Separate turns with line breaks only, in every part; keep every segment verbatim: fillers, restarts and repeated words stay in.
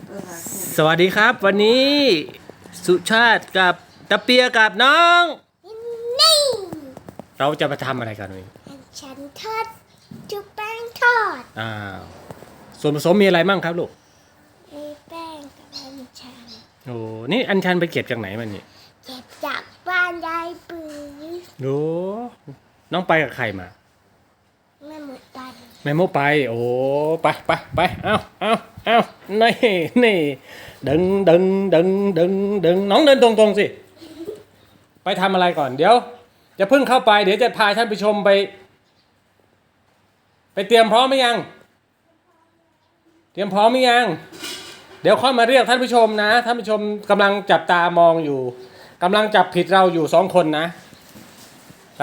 สวัสดีครับวันนี้สุชาติกับตะเปียกับน้อง
นี่
เราจะมาทำอะไรกันวันนี้
ฉันทอดจุ๊บแป้งทอด
อ้าวส่วนผสมมีอะไรบ้างครับลูก
มีแป้งกับอัญชัน
โอ้นี่อัญชันไปเก็บจากไหนมันนี่
เก็บจากบ้านยายปืน
โอ้น้องไปกับใครมา
แม่หมดไป
แม่โมไปโอ้ไปไปไปเอาเอาเอานี่นี่ดึงดึงดึงดึงดึงน้องเดินตรงตรงสิไปทำอะไรก่อนเดี๋ยวจะเพิ่งเข้าไปเดี๋ยวจะพาท่านผู้ชมไปไปเตรียมพร้อมไหมยังเตรียมพร้อมไหมยังเดี๋ยวค่อยมาเรียกท่านผู้ชมนะท่านผู้ชมกำลังจับตามองอยู่กำลังจับผิดเราอยู่สองคนนะใช่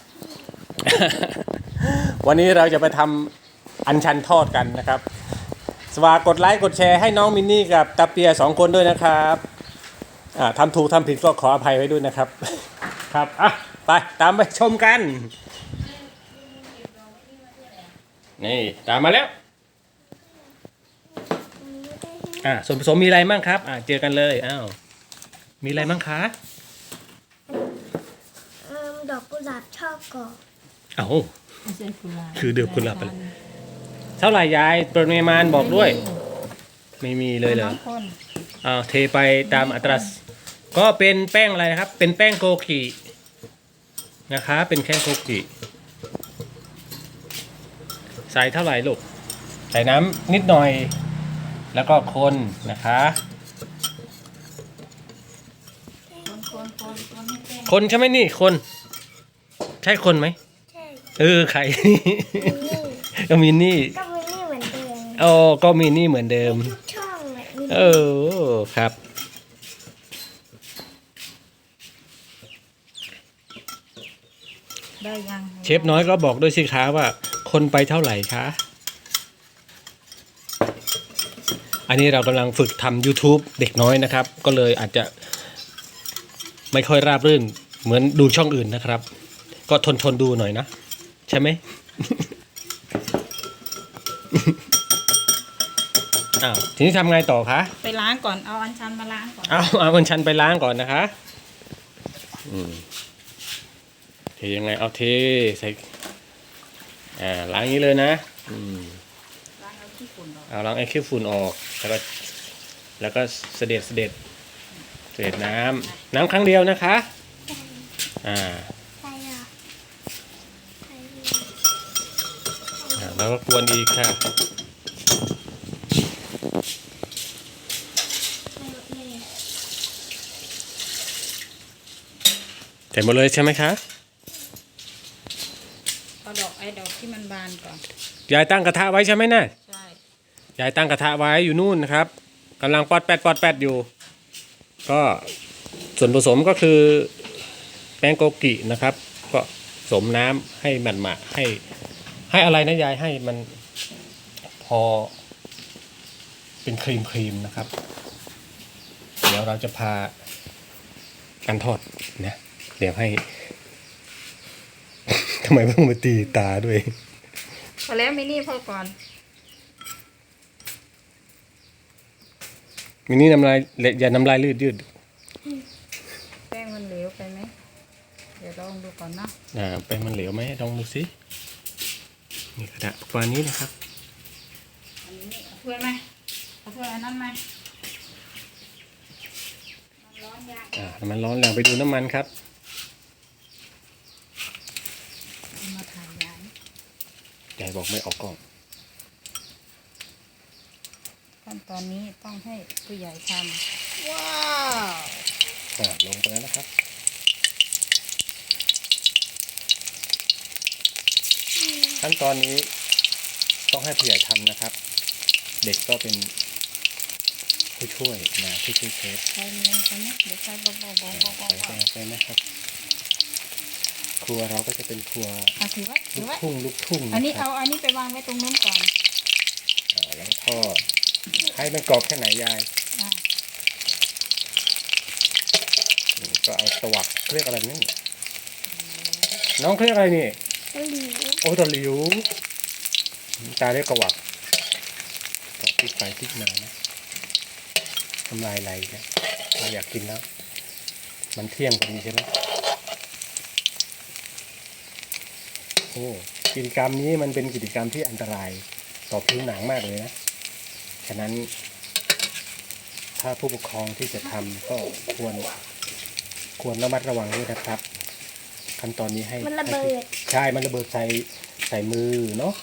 วันนี้เราจะไปทำอัญชันทอดกันนะครับฝากกดไลค์กดแชร์ให้น้องมินนี่กับตาเปียสองคนด้วยนะครับทำถูกทำผิดก็ขออภัยไว้ด้วยนะครับครับอ่ะไปตามไปชมกันนี่ตามมาแล้วอ่ะส่วนผสมมีอะไรบ้างครับอ่ะเจอกันเลยอ้าวมีอะไรบ้างคะ
ดอกกุหลาบชอบก่อน
เอ้าคือเดือบกุหลาบไปเลยเท่าไหร่ยายปริมาณบอกด้วยไม่มีเลยเหรออ้าวเทไปตามอัตราก็เป็นแป้งอะไรนะครับเป็นแป้งโกกินะคะเป็นแค่โกกิใส่เท่าไหร่ลูกใส่น้ำนิดหน่อยแล้วก็คนนะคะคนใช่ไหมนี่คนใช่คนไหม
ใช่
เออใครก็มินนี่
ก็มินนี่เหมือนเดิม
อ๋อก็มินนี่เหมือนเดิม
ทุกช่องเลย
เออครับ
ได้ยัง
เชฟน้อยก็บอกด้วยสิคะว่าคนไปเท่าไหร่คะอันนี้เรากำลังฝึกทำ YouTube เด็กน้อยนะครับก็เลยอาจจะไม่ค่อยราบรื่นเหมือนดูช่องอื่นนะครับก็ทนทนดูหน่อยนะใช่ไหม อ้าวทีนี้ทำไงต่อคะ
ไปล้างก่อนเอาอัญชันมาล้างก่อน
เอาเอาอัญชันไปล้างก่อนนะคะอืมเทยังไงเอาเทใส่อ่าล้างอย่างนี้เลยนะอืม
ล้างเอาขี้ฝุ่นออก
เอาล้างไอ้ขี้ฝุ่นออกแล้วก็แล้วก็เสด็จเสด็จเสด็จน้ำน้ำครั้งเดียวนะคะอ่า
ใส่อ่ะใส่
แล้วก็กวนอีกค่ะใส่หมดเลยใช่ไหมคะ
เอาดอกไอ้ดอกที่มันบานก่อน
ยายตั้งกระทะไว้ใช่ไหมน่ะ
ใช่
ยายตั้งกระทะไว้อยู่นู่นนะครับกำลังปอดแปดปอดแปดอยู่ก็ส่วนผสมก็คือแป้งโกกินะครับก็ผสมน้ำให้มันมาให้ให้อะไรนะยายให้มันพอเป็นครีมครีมนะครับเดี๋ยวเราจะพากันทอดนะเดี๋ยวให้ ทำไมต้องมาตีตาด้วย
พอแล้วมินี่พอก่อน
มินี่น้ำลายอย่าน้ำลายยืดยืด
แป้งมันเหลวไปไหมเดี๋ยวลองดูก่อนนะ
อ่าแป้งมันเหลวไหมลองดูสินี่กระดาษประมาณนี้นะครับ
อันนี้เอาถ้วยไหมเอาถ้วยอันนั้นไหมมันร้อนยาก
อ่ามันร้อนแล้วไปดูน้ำมันครับ
มาถ่ายยาย
ยายบอกไม่ออกกล้อง
ขั้นตอนนี้ต้องให้ผู้ใหญ่ทำว้าว
อ่าลงไปแล้วนะครับขั้นตอนนี้ต้องให้ผู้ใหญ่ทำนะครับเด็กก็เป็นผู้ช่วยนะผู้ช่วยเชฟ
ใส่เนื้อกันนะเดี๋ยวใส่เบาๆเบาๆเบาๆ
ใส่ไปนะครับครัวเราก็จะเป็นครัวลูกทุ่งลูกทุ่ง
อันนี้เอาอันนี้ไปวางไว้ตรงนู้นก่อน
แล้วทอดให้มันกรอบแค่ไหนยายก็เอาตวักเรียกอะไรนี่น้องเรียกอะไรนี่โอ้ตะหลิวตาเรียกกวักก็พลิกไปพลิกมานะทำลายไหลเนี่ยเราอยากกินแล้ว มันเที่ยงพอดีใช่ไหมโอ้กิจกรรมนี้มันเป็นกิจกรรมที่อันตรายต่อผิวหนังมากเลยนะ ฉะนั้น ถ้าผู้ปกครองที่จะทำก็ควร ควรระมัดระวังด้วยนะครับ ขั้นตอนนี้ให้
มันระเบิด
ใช่ มันระเบิดใส่ใส่มือเนาะ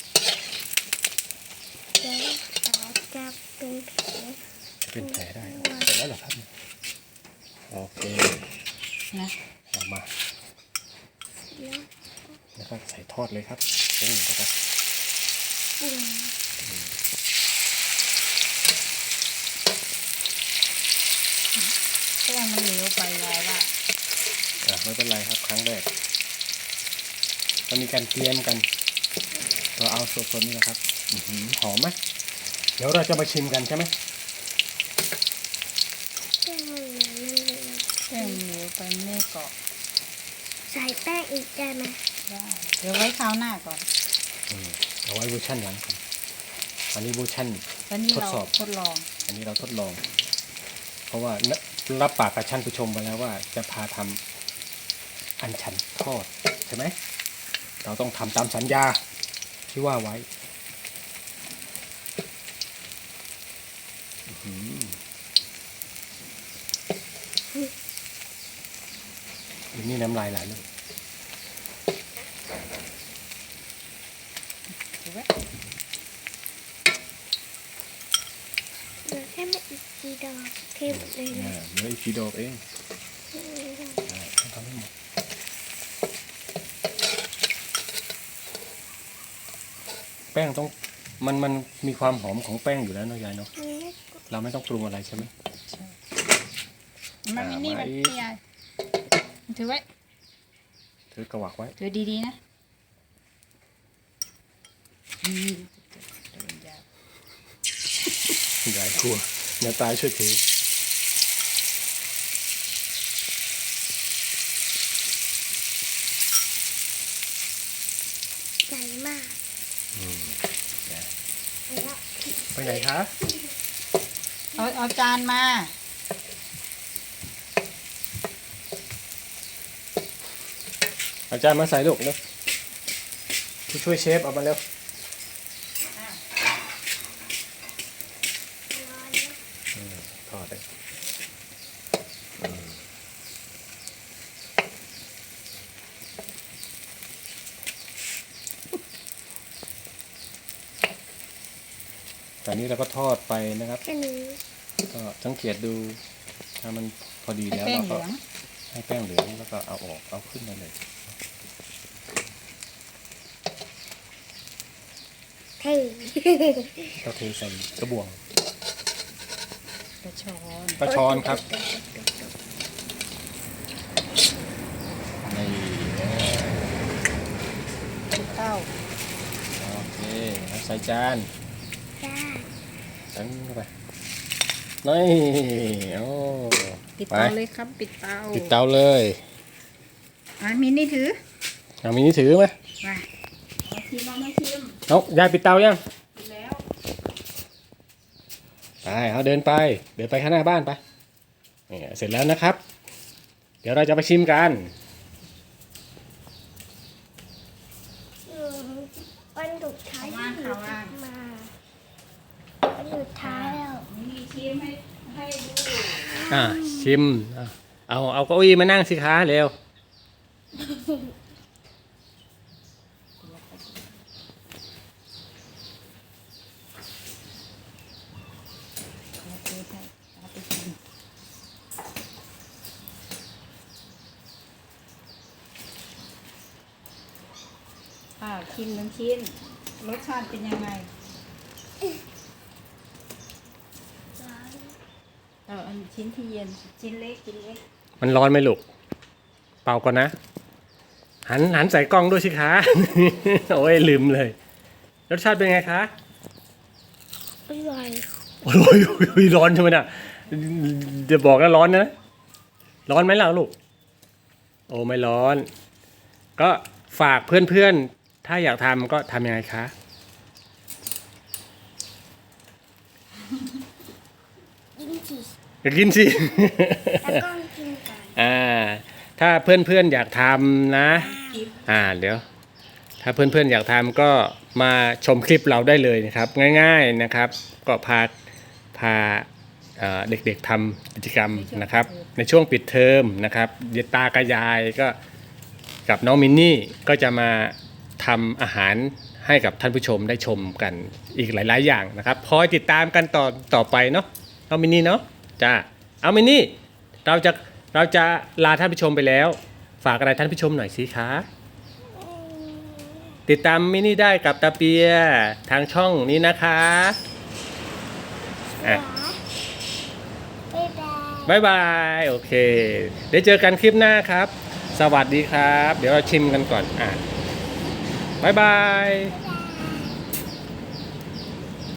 เดี๋ยวเราจะเป็นแผล
จะเป็นแผลได้เสร็จแล้วเหรอครับ โอเค
นะ
เอามา
เดี๋ยว
แล้วก็ใส่ทอดเลยครับปุ้งเข้าไป
ปุ่ม
แป้งมันเหลวไปยายว่า
อ่ะไม่เป็นไรครับ ครั้งแรกเรามีการเตรียมกัน เราเอาสดๆนี่นะครับอื้อหือหอมไหมเดี๋ยวเราจะมาชิมกันใช่ไหม
แป้งมันเหลวมันเหลว
แป้งมันเหลวไปไม่เกาะ
ใส่แป้งอีกได้ไหม
ได้เดี๋ยวไว้คราวหน้าก่อน
อืมเอาไว้เวอร์ชันหลังก่อนอันนี้เวอร์ชัน
ตอนนี้
ทด
เรา
สอบ
ทดลอง
อันนี้เราทดลอง เพราะว่ารับปากกับท่านผู้ชมไปแล้วว่าจะพาทำอันชันทอดใช่ไหม เราต้องทำตามสัญญาที่ว่าไว้อื้อหืออันนี้น้ำลายไหลเลย
ถูกไหม
เหลือแค่ไม่อีกกี่ดอกเทหมดเลย
อ่า
นะ
เหลืออีกกี่ดอกเองได้ต้องทำให้หมดแป้งต้องมันมันมีความหอมของแป้งอยู่แล้วเนาะยายเนาะ
มันไม่
เราไม่ต้องปรุงอะไรใช่ไหม
ใช่มันไม่
อ่า
นี่มัน
ไว้
นี่ยายถือไว้
ถือกระวักไว้
ถือดีๆนะอืมเดินยาก
ยายกลัวอย่าตายช่วยถือ
ใหญ่มาก
อืม
แล้ว
ไปไหนคะ
เอาเอาจานมา
อาจารย์มาใส่ลูกเร็วผู้ช่วยเชฟเอามาเร็ว
ร้อนนะ
อืมทอดเลยตอนนี้เราก็ทอดไปนะครับ
แค่นี้
ก็สังเกตดู ถ้ามันพอดี
ให้
แล้ว
แป้ง
เรา
เห
ก็
ลือง
ให้แป้งเหลืองแล้วก็เอาออกเอาขึ้นมาเลย
เท่
เราเทใส่กระบวง
กระชอน
ปลาช้อนครับนี่
เป็นเต้า
โอเคเอาใส่จาน
จ้า
ตั้งเข้าไปนี่โอ้
ปิด
ไป
เตาเลยครับปิดเตา
ปิดเตาเลย
อ่ะมินนี่ถือ
เอามีนี่ถือไหม
มาเอาชิมเอามาชิม
เอายายปิดเตายัง
ปิดแล้ว
ไปเอาเดินไป เดินไปข้างหน้าบ้านไปนี่เสร็จแล้วนะครับ เดี๋ยวเราจะไปชิมกัน
อืมวันสุดท้ายที่หนูกลับมาวันสุดท้ายแล้ว
มินนี่ชิมให้ให้ดู
อ่าชิมอ่ะเอาเอาเก้าอี้มานั่งสิคะเร็ว
เอาไปให้เอาไปชิมอ่าชิมหนึ่งชิ้น รสชาติเป็นยังไง
ร้อน
เอออันชิ้นที่เย็น ชิ้นเล็กชิ้นเล็ก
มันร้อนไหมลูก เป่าก่อนนะ หันหันใส่กล้องด้วยสิคะ โอ้ยลืมเลย รสชาติเป็นไงคะ
อร่อย
โอ้ยโอ้ยโอ้ยร้อนใช่ไหมน่ะจะบอกแล้วร้อนนะ ร้อนไหมล่ะลูก โอ้ไม่ร้อน ก็ฝากเพื่อนๆ ถ้าอยากทำก็ทำยังไงคะ
ยกินสิ
อยากกินสิ
แล้วก็กินก่อน
อ่า ถ้าเพื่อนๆอยากทำนะ อ่า เดี๋ยว ถ้าเพื่อนๆอยากทำก็มาชมคลิปเราได้เลยนะครับ ง่ายๆนะครับ ก็พาพาเอ่อเด็กๆทำกิจกรรมนะครับ ในช่วงปิดเทอมนะครับเยตากบยายก็กับน้องมินนี่ก็จะมาทำอาหารให้กับท่านผู้ชมได้ชมกันอีกหลายๆอย่างนะครับคอยติดตามกันต่อต่อไปเนาะน้องมินนี่เนาะจ้าเอามินนี่เราจะเราจะลาท่านผู้ชมไปแล้ว ฝากอะไรท่านผู้ชมหน่อยสิคะ
อืม
ติดตามมินนี่ได้กับตาเปียทางช่องนี้นะคะอ่ะ
บ๊ายบาย
บายบาย โอเค เดี๋ยวเจอกันคลิปหน้าครับ สวัสดีครับ เดี๋ยวเราชิมกันก่อน อ่ะบายบาย